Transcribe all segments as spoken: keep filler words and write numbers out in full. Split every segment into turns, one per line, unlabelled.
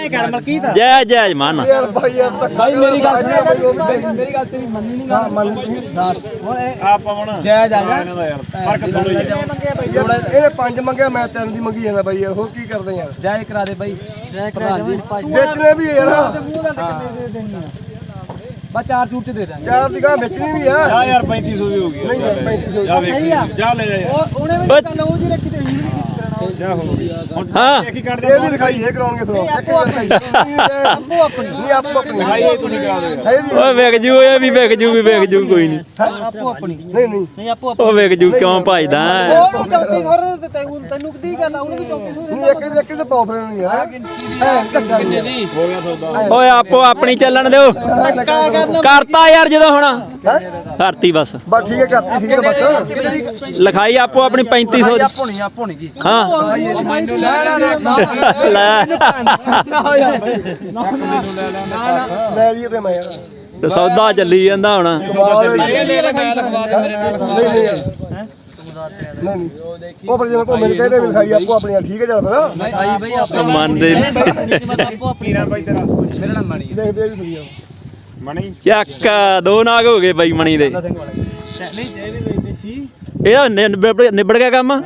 ਕਰ ਮਲਕੀਤ
ਜੈ ਜੈ ਮਾਨ
ਯਾਰ ਭਾਈ ਯਾਰ ਧੱਕਾ
ਮੇਰੀ ਗੱਲ ਮੇਰੀ ਗੱਲ ਤੇਰੀ ਮੰਨੀ ਨਹੀਂ ਗਾ
ਮੰਨ
ਹੁਣ
ਆਪਾਂ ਹੁਣ
ਜੈ ਜਾ ਜਾ
ਫਰਕ ਥੋੜਾ
ਯਾਰ ਇਹਨੇ ਪੰਜ ਮੰਗਿਆ ਮੈਂ ਤਿੰਨ ਦੀ ਮੰਗੀ ਜਾਂਦਾ ਬਾਈ ਯਾਰ ਹੋਰ ਕੀ ਕਰਦੇ ਯਾਰ
ਜੈ ਕਰਾ ਦੇ ਬਾਈ ਜੈ ਕਰਾ ਦੇ
ਵੇਚਣੇ ਵੀ ਯਾਰ
ਬਸ ਚਾਰ ਚੂਰ ਚ ਦੇ ਦਾਂਗੇ
ਚਾਰ ਦੀ ਗਾਂ ਵੇਚਣੀ ਵੀ ਆ
ਜਾ ਯਾਰ ਪੈਂਤੀ ਸੌ ਦੀ ਹੋ ਗਈ
ਨਹੀਂ ਯਾਰ ਪੈਂਤੀ ਸੌ
ਜਾ ਵੇਖ ਜਾ ਲੈ ਜਾ ਯਾਰ
ਉਹਨੇ ਵੀ ਤਾਂ ਲਓ ਜੀ ਰੱਖੀ ਤੇ ਹੀ
ਜਾ ਹੁਣ
ਹਾਂ
ਕੀ ਕਰਦੇ
ਇਹ ਵੀ ਲਿਖਾਈ ਇਹ ਕਰਾਉਣਗੇ ਫਿਰ ਇੱਕ ਹੀ ਲਿਖਾਈ ਆਪੋ ਆਪਣੀ ਨਹੀਂ ਆਪੋ ਆਪਣੀ
ਭਾਈ ਇਹ ਤੁਸੀਂ ਕਰਾ ਦਿਓ
ਹੈ ਦੀ
ਓਏ ਵਿਕ ਜੂ ਇਹ ਵੀ ਵਿਕ ਜੂ ਵੀ ਵਿਕ ਜੂ ਕੋਈ ਨਹੀਂ
ਆਪੋ ਆਪਣੀ
ਨਹੀਂ ਨਹੀਂ
ਨਹੀਂ ਆਪੋ
ਉਹ ਵਿਕ ਜੂ ਕਿਉਂ ਭਜਦਾ
ਉਹ ਚੌਂਤੀ ਹੋਰ ਤੈਨੂੰ ਤੈਨੂੰ ਕਿਹਦੀ ਗੱਲ ਆ ਉਹਨੂੰ ਵੀ ਚੌਂਤੀ ਸੌ
ਨਹੀਂ ਇੱਕ ਇੱਕ ਤੇ ਪਾਉ ਫਿਰ ਨਹੀਂ ਯਾਰ ਹੈ ਧੱਕਾ ਨਹੀਂ
ਹੋ ਗਿਆ ਸੌਦਾ
ਓਏ ਆਪੋ ਆਪਣੀ ਚੱਲਣ ਦਿਓ ਕਰਤਾ ਯਾਰ ਜਦੋਂ ਹੁਣ ਕਰਤੀ ਬਸ
ਬਸ ਠੀਕ ਹੈ ਕਰਤੀ ਸੀ ਬੱਚਾ
ਲਿਖਾਈ ਆਪੋ ਆਪਣੀ ਪੈਂਤੀ ਸੌ ਦੀ
ਆਪੋ ਨਹੀਂ ਆਪੋ ਨਹੀਂ ਕੀ
ਹਾਂ
ਮੈਨੂੰ ਲੈ ਨਾ
ਲੈ
ਨਾ ਯਾਰ ਨਾ ਨਾ
ਲੈ ਜੀ ਤੇ ਮੈਂ ਯਾਰ
ਤੇ ਸੌਦਾ ਚੱਲੀ ਜਾਂਦਾ ਹੁਣ
ਇਹ ਲੈ ਲੈ ਮੈਂ ਲਿਖਵਾ ਦੇ ਮੇਰੇ ਨਾਲ
ਨਹੀਂ ਨਹੀਂ ਨਹੀਂ ਨਹੀਂ ਉਹ ਪਰ ਜਿਵੇਂ ਘੁੰਮੇ ਨੇ ਕਹਿੰਦੇ ਵੀ ਲਿਖਾਈ ਆਪੋ ਆਪਣੀ ਠੀਕ ਹੈ ਚੱਲ ਫਿਰ
ਨਹੀਂ ਆਈ ਬਈ ਆਪੋ
ਮੰਨਦੇ ਨੀ।
ਆਪੋ ਆਪਣੀ
ਪੀਰਾਂ ਭਾਈ ਤੇਰਾ
ਮੇਰਾ ਨਾਮ ਮਣੀ
ਦੇਖ ਦੇ ਵੀ ਸਹੀ ਆ
ਮਣੀ
ਚੱਕ ਦੋ ਨਾਗ ਹੋ ਗਏ ਬਾਈ ਮਣੀ ਦੇ
ਨਹੀਂ ਜਿਹੜੇ ਵੇਚਦੇ ਸੀ
ਇਹਦਾ ਨਿਬੜ ਨਿਬੜ ਗਿਆ ਕੰਮ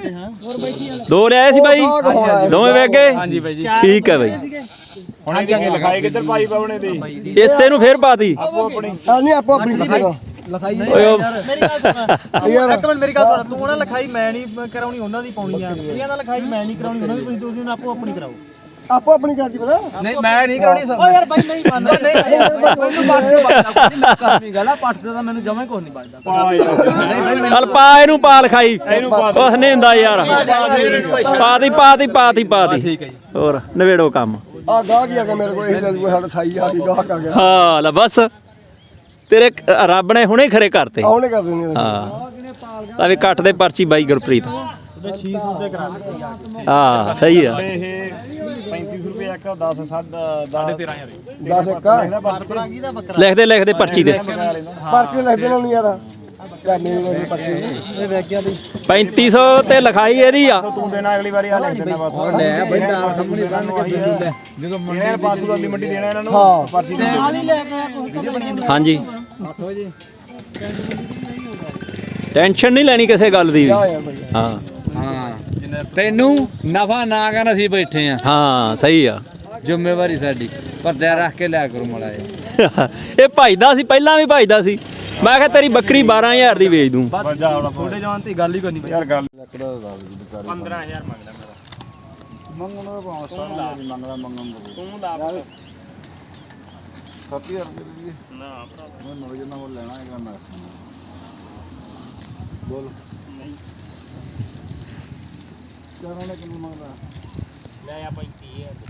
ਦੋ ਲਿਆਏ ਸੀ ਬਾਈ ਦੋਵੇਂ ਵੇਚ ਗਏ
ਹਾਂਜੀ ਬਾਈ ਜੀ
ਠੀਕ ਹੈ ਬਾਈ
ਹੁਣ ਇਹ ਲਿਖਾਈ ਕਿੱਧਰ ਪਾਈ ਪਾਉਣੇ ਦੀ
ਇਸੇ ਨੂੰ ਫੇਰ ਪਾਤੀ
ਆਪੋ ਆਪਣੀ
ਹਾਂ ਨਹੀਂ ਆਪੋ ਆਪਣੀ ਕੀ ਦੇਗਾ
ਲਿਖਾਈ
ਓਏ ਉਹ
ਮੇਰੀ ਗੱਲ ਸੁਣ ਯਾਰ ਇੱਕ ਮਿੰਟ ਮੇਰੀ ਗੱਲ ਸੁਣ ਤੂੰ ਨਾ ਲਿਖਾਈ ਮੈਂ ਨਹੀਂ ਕਰਾਉਣੀ ਉਹਨਾਂ ਦੀ ਪਾਉਣੀ ਆ ਇਹਨਾਂ ਦਾ ਲਿਖਾਈ ਮੈਂ ਨਹੀਂ ਕਰਾਉਣੀ ਉਹਨਾਂ ਦੀ ਤੁਸੀਂ ਤੁਸੀਂ ਉਹਨਾਂ ਆਪੋ ਆਪਣੀ ਕਰਾਓ
ਆਪੋ ਆਪਣੀ ਕਰਦੀ ਪਤਾ
ਨਹੀਂ ਮੈਂ ਨਹੀਂ ਕਰਾਉਣੀ ਸਰ ਓ ਯਾਰ ਬਾਈ ਨਹੀਂ ਮੰਨਦਾ ਨਹੀਂ ਮੈਨੂੰ ਪਾਠ ਨੂੰ ਬਚਦਾ ਕੋਈ ਲੱਗਾ ਨਹੀਂ ਗੱਲ ਆ ਪਾਠ ਦਾ ਮੈਨੂੰ ਜਮਾ ਕੁਝ ਨਹੀਂ ਬਚਦਾ
ਪਾ ਯਾਰ
ਚੱਲ ਪਾ ਇਹਨੂੰ ਪਾ ਲਿਖਾਈ ਕੁਛ ਨਹੀਂ ਹੁੰਦਾ ਯਾਰ ਪਾਤੀ ਪਾਤੀ ਪਾਤੀ ਪਾਤੀ
ਠੀਕ ਹੈ ਜੀ
ਹੋਰ ਨਵੇੜੋ ਕੰਮ
ਆ ਗਾਹ ਕੀ ਆ ਗਿਆ ਮੇਰੇ ਕੋਲ ਇਹ ਜਦ ਕੋਈ ਸਾਡਾ ਸਾਈ ਆ ਗਈ ਗਾਹ ਆ ਗਿਆ
ਹਾਂ ਲੈ ਬਸ ਤੇਰੇ ਰੱਬ ਨੇ ਹੁਣੇ ਖਰੇ ਕਰਤੇ
ਆਉਣੇ ਕਰ ਦਿੰਦੇ
ਹਾਂ ਲੈ ਵੀ ਕੱਟ ਦੇ ਪਰਚੀ ਬਾਈ ਗੁਰਪ੍ਰੀਤ
ਛੇ ਸੌ ਦੇ ਕਰਾ ਦੇ
ਹਾਂ ਸਹੀ ਆ
ਇਹ ਪੈਂਤੀ ਸੌ ਰੁਪਏ ਇੱਕ ਦਸ ਸਾਢੇ ਤੇਰਾਂ ਹਜ਼ਾਰ
ਦਸ ਇੱਕ
ਇਹਦਾ ਬੱਕਰਾ ਕੀ ਦਾ ਬੱਕਰਾ
ਲਿਖਦੇ ਲਿਖਦੇ ਪਰਚੀ ਤੇ
ਪਰਚੀ ਲਿਖ ਦੇਣਾ ਨਹੀਂ ਯਾਰ ਯਾਰ ਮੇਰੀ ਵਾਲੀ ਪਰਚੀ ਇਹ ਵੇਖਿਆ ਦੀ
ਪੈਂਤੀ ਸੌ ਤੇ ਲਿਖਾਈ ਇਹਦੀ ਆ
ਤੂੰ ਦੇਣਾ ਅਗਲੀ ਵਾਰੀ ਆ ਲਿਖ ਦੇਣਾ ਬਸ ਲੈ ਬਈ ਨਾਲ ਸਾਹਮਣੇ ਬੰਨ ਕੇ ਦੇ ਲੈ ਜਦੋਂ ਮੰਡੀ ਪੰਜ ਸੌ ਦੀ ਮੰਡੀ ਦੇਣਾ ਇਹਨਾਂ ਨੂੰ
ਹਾਂ।
ਪਰਚੀ ਦੇ
ਨਾਲ ਹੀ ਲੈ ਕੇ
ਹਾਂਜੀ
ਅੱਠ ਵਜੇ
ਟੈਨਸ਼ਨ ਨਹੀਂ ਲੈਣੀ ਕਿਸੇ ਗੱਲ ਦੀ ਵੀ।
ਆ ਯਾਰ ਬਈ
ਹਾਂ
ਹਾਂ ਤੈਨੂੰ ਨਫਾ ਨਾ ਕਰਨ ਅਸੀਂ ਬੈਠੇ ਆ
ਹਾਂ ਸਹੀ ਆ
ਜ਼ਿੰਮੇਵਾਰੀ ਸਾਡੀ ਪਰਦਾ ਰੱਖ ਕੇ ਲਿਆ ਕਰੋ ਮੜਾ
ਇਹ ਭਜਦਾ ਸੀ ਪਹਿਲਾਂ ਵੀ ਭਜਦਾ ਸੀ ਮੈਂ ਕਿਹਾ ਤੇਰੀ ਬੱਕਰੀ ਬਾਰਾਂ ਹਜ਼ਾਰ ਦੀ ਵੇਚ ਦੂੰ
ਜਾ ਹੁਣ
ਛੋਟੇ ਜਵਾਨ ਤੇ ਗੱਲ ਹੀ ਕੋਈ ਨਹੀਂ
ਯਾਰ ਗੱਲ ਪੰਦਰਾਂ ਹਜ਼ਾਰ ਮੰਗਦਾ ਮੇਰਾ ਮੰਗਣਾ ਦਾ ਭਾਵੇਂ ਸਤਾਰਾਂ ਦੀ ਮੰਗਦਾ ਮੰਗਣ ਦਾ ਤੂੰ ਲਾ ਸੱਤ ਹਜ਼ਾਰ ਰੁਪਏ ਦੀ ਨਾ ਭਰਾ ਮੈਂ ਨਵੇਂ ਜਨਾ ਉਹ ਲੈਣਾ ਹੈਗਾ ਮੈਂ ਬੋਲ ਨਹੀਂ ਚਾਰਾਂ ਨੇ ਕਿੰਨੇ ਮੰਗਦਾ ਲੈ ਆ ਪੈਂਤੀ ਹਜ਼ਾਰ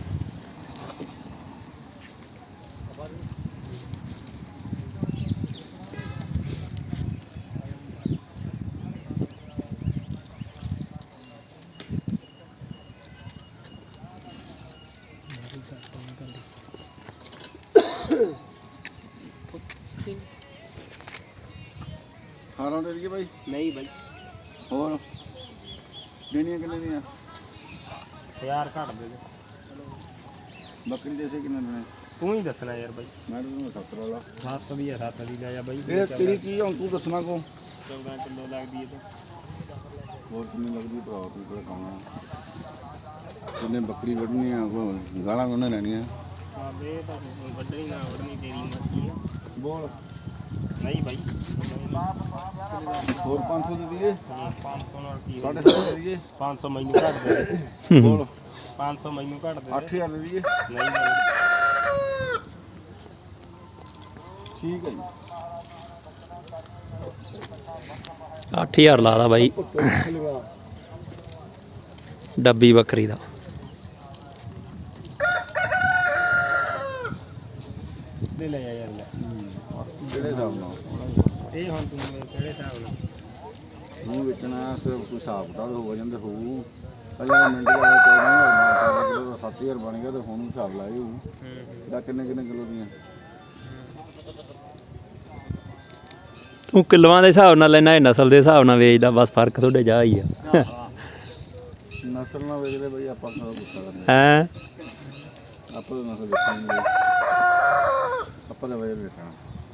ਖਾਣਾ ਦੇ ਦਈਏ ਬਾਈ ਨਹੀਂ ਬਾਈ ਹੋਰ ਦੇਣੀਆਂ ਕਿੰਨੇ ਦੀਆਂ ਹਜ਼ਾਰ ਘੱਟ ਦੇ ਦੇ ਬੱਕਰੀ ਦੇ ਸੇ ਕਿੰਨੇ ਦੇਣੇ ਤੂੰ ਹੀ ਦੱਸਣਾ ਯਾਰ ਬਾਈ ਮੈਂ ਤੈਨੂੰ ਸੱਤਰ ਵਾਲਾ ਸੱਤ ਵੀ ਹੈ ਸੱਤ ਦੀ ਲੈ ਜਾ ਬਾਈ ਇਹ ਤੇਰੀ ਕੀ ਹੁਣ ਤੂੰ ਦੱਸਣਾ ਕੋ ਚੌਦਾਂ ਕਿਲੋ ਲੱਗਦੀ ਹੈ ਤੇ ਹੋਰ ਕਿੰਨੀ ਲੱਗਦੀ ਭਰਾ ਤੂੰ ਕੋਲ ਖਾਣਾ ਕਿੰਨੇ ਬੱਕਰੀ ਵੱਢਣੀ ਆ ਕੋ ਗਾਲਾਂ ਉਹਨੇ ਲੈਣੀਆਂ ਹਾਂ ਇਹ ਤਾਂ ਵੱਢਣੀ ਨਾ ਵੱਢਣੀ ਤੇਰੀ ਮਰਜ਼ੀ ਆ ਬੋਲ ਨਹੀਂ ਬਾਈ ਹੋਰ ਪੰਜ ਸੌ ਦੇ ਦਈਏ ਪੰਜ ਸੌ ਨਾਲ ਕੀ ਸਾਢੇ ਸੱਤ ਦੇ ਦਈਏ ਪੰਜ ਸੌ ਮੈਨੂੰ ਘੱਟ ਦੇ ਬੋਲ ਪੰਜ ਸੌ ਮੈਨੂੰ ਘੱਟ ਦੇ ਅੱਠ ਹਜ਼ਾਰ ਦੇ ਦਈਏ ਨਹੀਂ ਠੀਕ ਹੈ ਜੀ
ਅੱਠ ਹਜ਼ਾਰ ਲਾਦਾ ਬਾਈ ਡੱਬੀ ਬੱਕਰੀ ਦਾ
ਲੈ ਲੈ ਯਾਰ ਲੈ ਕਿਹੜੇ ਹਿਸਾਬ ਨਾਲ ਇਹ ਹੁਣ ਤੂੰ ਕਿਹੜੇ ਹਿਸਾਬ ਨਾਲ ਮੂੰਹ ਵੇਚਣਾ ਸਿਰਫ ਕੋਈ ਹਿਸਾਬ ਕਿਤਾਬ ਹੋ ਜਾਂਦੇ ਹੋਊ ਅਜਾ ਮਿੰਟ ਦਾ ਚੌਦਾਂ ਹਜ਼ਾਰ ਕਿਲੋ ਦਾ ਸੱਤ ਹਜ਼ਾਰ ਬਣ ਗਿਆ ਤੇ ਹੁਣ ਹਿਸਾਬ ਲਾਏ ਹੋਊ ਦਾ ਕਿੰਨੇ ਕਿੰਨੇ ਕਿਲੋ ਦੀਆਂ
ਤੂੰ ਕਿਲੋਆਂ ਦੇ ਹਿਸਾਬ ਨਾਲ ਲੈਣਾ ਇਹ ਨਸਲ ਦੇ ਹਿਸਾਬ ਨਾਲ ਵੇਚਦਾ ਬਸ ਫਰਕ ਤੁਹਾਡੇ ਜਾ ਹੀ ਆ
ਨਸਲ ਨਾਲ ਵੇਚਦੇ ਬਈ ਆਪਾਂ ਕਦੋਂ ਗੁੱਸਾ ਕਰਨਾ
ਹੈ
ਆਪਾਂ ਤਾਂ ਨਸਲ ਦੇਖਾਂਗੇ ਆਪਾਂ ਦਾ ਵਜਨ ਦੇਖਣਾ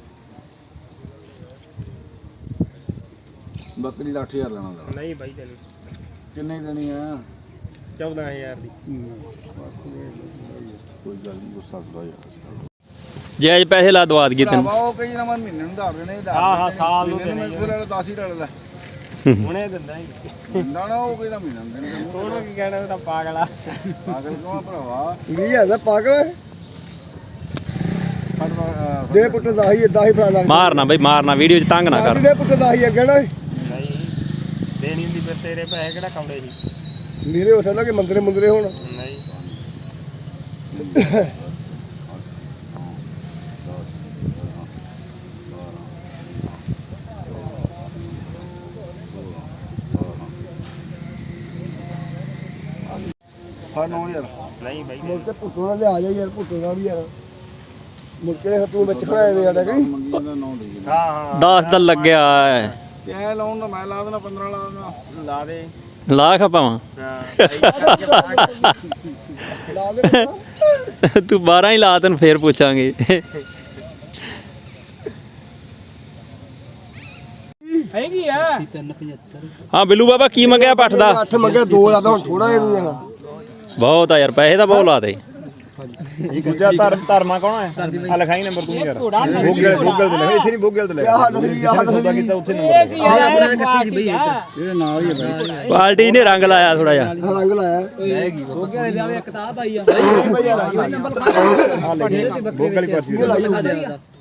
ਬੱਕਰੀ ਦਾ ਅੱਠ ਹਜ਼ਾਰ ਲੈਣਾ ਦਾ
ਨਹੀਂ ਬਾਈ ਤੈਨੂੰ
ਕਿੰਨੇ ਦੇਣੀ ਆ
ਚੌਦਾਂ ਹਜ਼ਾਰ ਦੀ
ਕੋਈ ਗੱਲ ਨਹੀਂ ਗੁੱਸਾ ਕਰੋ ਯਾਰ
ਜਾਇਜ਼ ਪੈਸੇ ਲਾ ਦਵਾ ਦਈਏ ਤੈਨੂੰ
ਭਰਾਵਾ ਉਹ ਕਈ ਨਾ ਮਨ ਮਹੀਨੇ ਨੂੰ ਧਾਰ ਦੇਣੇ
ਹਾਂ ਹਾਂ ਸਾਲ ਨੂੰ
ਮਹੀਨੇ ਨੂੰ ਮੇਰੇ ਦਸ ਹੀ ਡਾਲ ਲੈ
ਹੁਣੇ ਦਿੰਦਾ ਹੀ
ਨਾ ਨਾ ਉਹ ਕਈ ਨਾ ਮਹੀਨਾ ਨੂੰ ਦੇਣੇ
ਉਹਨੂੰ ਕੀ ਕਹਿਣਾ ਉਹ ਤਾਂ ਪਾਗਲ ਆ
ਪਾਗਲ ਕਿਉਂ ਆ ਭਰਾਵਾ
ਵੀਹ ਹਜ਼ਾਰ ਦਾ ਪਾਗਲ
ਫੜ ਵਾ-
ਦੇ ਪੁੱਟ ਦਸ ਹੀ ਦਸ ਹੀ ਫੜਾ ਲੱਗ
ਮਾਰਨਾ ਬਈ ਮਾਰਨਾ ਵੀਡੀਓ 'ਚ ਤੰਗ ਨਾ ਕਰ
ਦੇ ਪੁੱਟ ਦਸ ਹੀ ਅੱਗੇ ਨਾ
ਨਹੀਂ ਦੇਣੀ ਹੁੰਦੀ ਫਿਰ ਤੇਰੇ ਪੈਸੇ ਕਿਹੜਾ ਕੌੜੇ ਸੀ
ਮੇਰੇ ਹੋ ਸਕਦਾ ਕਿ ਮੰਦਰੇ ਮੁੰਦਰੇ ਹੋਣ
ਨਹੀਂ
ਫੜ ਨੌ ਹਜ਼ਾਰ
ਨਹੀਂ ਬਾਈ
ਮੁੜ ਕੇ ਪੁੱਟੋ ਨਾਲ ਲਿਆ ਜਾ ਯਾਰ ਪੁੱਟੋ ਨਾਲ ਵੀ ਯਾਰ ਮੁੜ ਕੇ ਤੂੰ ਵਿੱਚ ਖੜਾਏ ਦੇ ਸਾਡਾ ਕਿ
ਮੰਗੀ ਜਾਂਦਾ ਨੌ ਦੇ
ਹਾਂ ਹਾਂ
ਦਸ ਤਾਂ ਲੱਗਿਆ ਐ।
ਕਿਆ ਲਾਉਣ ਦਾ ਮੈਂ ਲਾ ਦੇਣਾ ਪੰਦਰਾਂ ਲਾ ਦੇਣਾ
ਲਾ ਦੇ
ਲਾਖ ਪਾਵਾਂ
ਹਾਂ
ਲਾ ਦੇ
ਤੂੰ ਬਾਰਾਂ ਹੀ ਲਾ ਤੈਨੂੰ ਫੇਰ ਪੁੱਛਾਂਗੇ
ਹੈਗੀ ਆ
ਹਾਂ ਬਿੱਲੂ ਬਾਬਾ ਕੀ ਮੰਗਿਆ ਪੱਠ ਦਾ
ਅੱਠ ਮੰਗਿਆ ਦੋ ਲਾਦਾ ਹੁਣ ਥੋੜਾ ਜਿਹਾ ਨਹੀਂ ਜਾਣਾ
ਬਹੁਤ ਆ ਯਾਰ ਪੈਸੇ ਤਾਂ ਬਹੁਤ ਲਾਦੇ
ਦੂਜਾ ਧਰਮ ਧਰਮਾ ਕੌਣ ਹੈ ਆ ਲਿਖਾਈ ਨੰਬਰ ਤੂੰ ਯਾਰ ਗੂਗਲ ਗੂਗਲ ਤੇ ਲਿਖ ਇੱਥੇ ਨਹੀਂ ਗੂਗਲ ਤੇ ਲਿਖ
ਆਹ ਨਸਲੀ ਆਹ ਨਸਲੀ
ਕੀਤਾ ਉੱਥੇ ਨੰਬਰ ਲਿਖ
ਆਪਣਾ ਕੱਟੀ ਸੀ ਬਈ
ਇਹਦੇ ਨਾਲ ਹੀ ਹੈ ਬਾਈ
ਪਾਰਟੀ ਨੇ ਰੰਗ ਲਾਇਆ ਥੋੜਾ ਜਿਹਾ
ਰੰਗ ਲਾਇਆ
ਗੂਗਲ ਹੀ ਪਰਚੀ